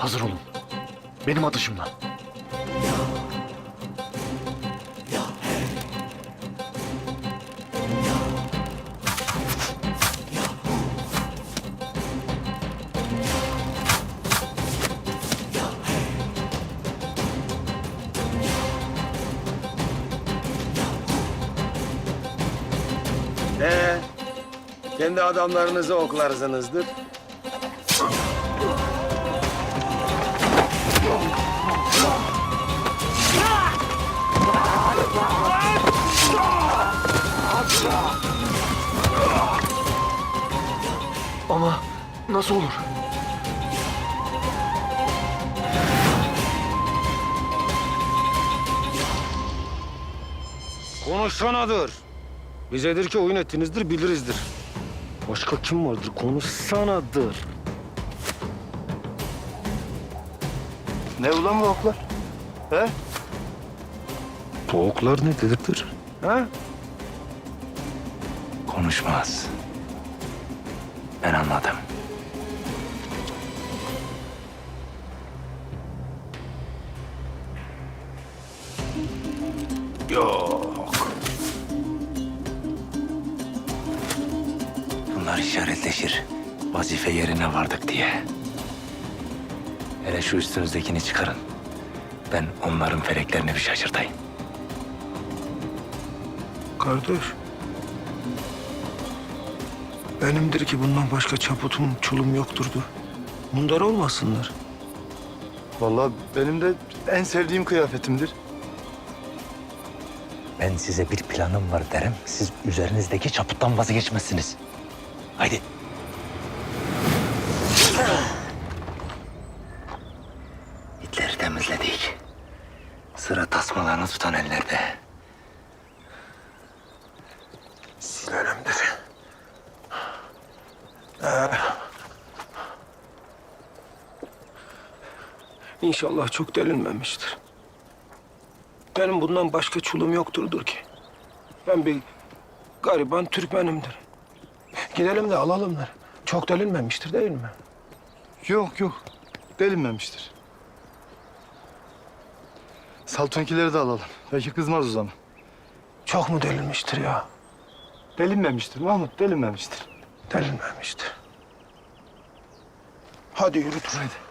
Hazır olun. Benim atışımla. Kendi adamlarınızı oklarsınızdır. Ama nasıl olur? Konuşsanadır. Bizedir ki oyun ettinizdir, bilirizdir. Başka kim vardır? Konuşsanadır. Ne ulan bu oklar? He? Bu oklar nedir? Ha? Konuşmaz. Ben anladım. Yok. Bunlar işaretleşir. Vazife yerine vardık diye. Hele şu üstünüzdekini çıkarın. Ben onların feleklerini bir şaşırtayım. Kardeş. Benimdir ki bundan başka çaputum, çulum yokturdu. Bunlar olmasınlar. Vallahi benim de en sevdiğim kıyafetimdir. Ben size bir planım var derim. Siz üzerinizdeki çaputtan vazgeçmezsiniz. Haydi. İtleri temizledik. Sıra tasmalarını tutan ellerde. Sinirlenimdir. İnşallah çok delinmemiştir. Benim bundan başka çulum yokturdur ki. Ben bir gariban Türkmenimdir. Gidelim de alalımlar. Çok delinmemiştir değil mi? Yok. Delinmemiştir. Saltonkileri de alalım. Belki kızmaz o zaman. Çok mu delinmiştir ya? Delinmemiştir Mahmut, delinmemiştir. Delinmemiştir. Hadi yürü Turan. Haydi.